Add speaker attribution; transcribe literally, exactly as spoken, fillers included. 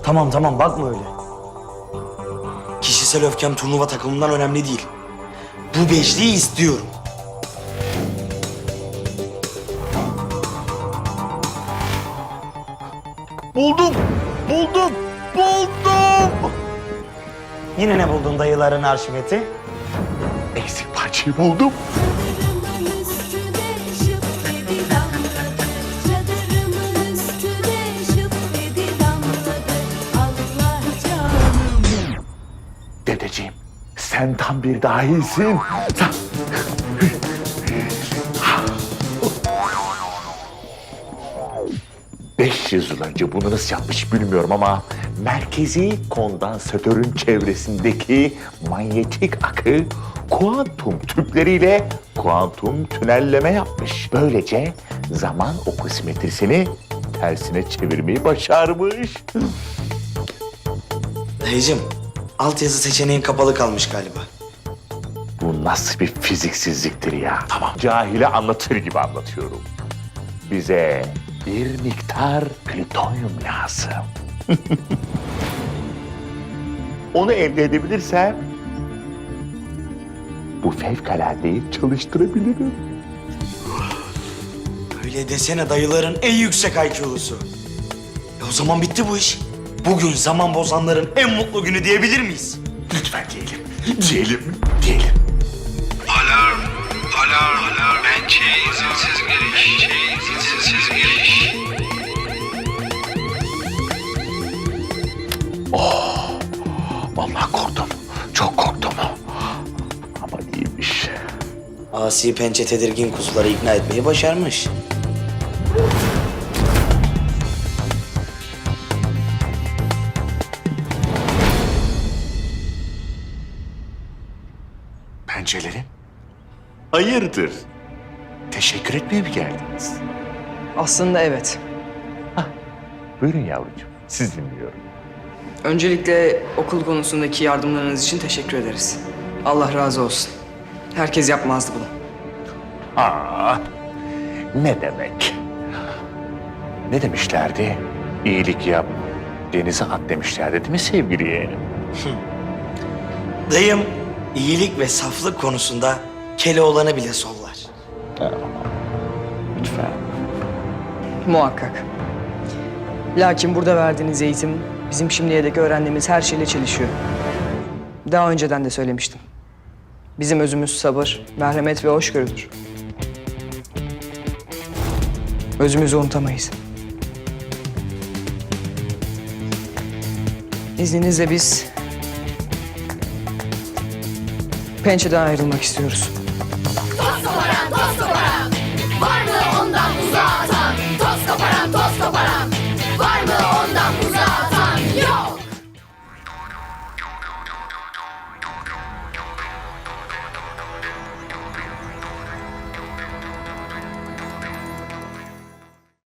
Speaker 1: Tamam tamam bakma öyle. Kişisel öfkem turnuva takımından önemli değil. Bu beşliği istiyorum.
Speaker 2: Buldum, buldum, buldum.
Speaker 1: Yine ne buldun dayıların arşiveti?
Speaker 2: Eksik parçayı buldum.
Speaker 3: Çadırımın üstüne şıp dedi damladı. Çadırımın üstüne şıp dedi damladı. Allah canım.
Speaker 2: Dedeciğim, sen tam bir dahisin. Sen... beş yüz yıl önce bunu nasıl yapmış bilmiyorum ama merkezi kondansatörün çevresindeki manyetik akı kuantum tüpleriyle kuantum tünelleme yapmış. Böylece zaman okosimetrisini tersine çevirmeyi başarmış.
Speaker 1: Dayıcığım, altyazı seçeneğin kapalı kalmış galiba.
Speaker 2: Bu nasıl bir fiziksizliktir ya? Tamam. Cahile anlatır gibi anlatıyorum. Bize bir miktar plütonyum lazım. Onu elde edebilirsem bu fevkaladeyi çalıştırabilirim.
Speaker 1: Öyle desene dayıların en yüksek I Q'lusu. E o zaman bitti bu iş. Bugün zaman bozanların en mutlu günü diyebilir miyiz?
Speaker 2: Lütfen diyelim. Diyelim, diyelim.
Speaker 4: Alarm, alarm, alarm. Pençe izinsiz giriş, şey izinsiz giriş.
Speaker 2: Vallahi korktum. Çok korktum. Ama iyiymiş.
Speaker 1: Asi pençe tedirgin kuzuları ikna etmeyi başarmış.
Speaker 2: Pençelerim. Hayırdır? Teşekkür etmeye mi geldiniz?
Speaker 5: Aslında evet.
Speaker 2: Buyurun yavrucuğum. Siz dinliyorum.
Speaker 5: Öncelikle okul konusundaki yardımlarınız için teşekkür ederiz. Allah razı olsun. Herkes yapmazdı bunu.
Speaker 2: Aa, ne demek? Ne demişlerdi? İyilik yap, denize at demişlerdi değil mi sevgili yeğenim?
Speaker 1: Dayım iyilik ve saflık konusunda Keloğlan'ı bile sollar.
Speaker 2: Lütfen.
Speaker 5: Muhakkak. Lakin burada verdiğiniz eğitim bizim şimdiye dek öğrendiğimiz her şeyle çelişiyor. Daha önceden de söylemiştim. Bizim özümüz sabır, merhamet ve hoşgörüdür. Özümüzü unutamayız. İzninizle biz pençeden ayrılmak istiyoruz.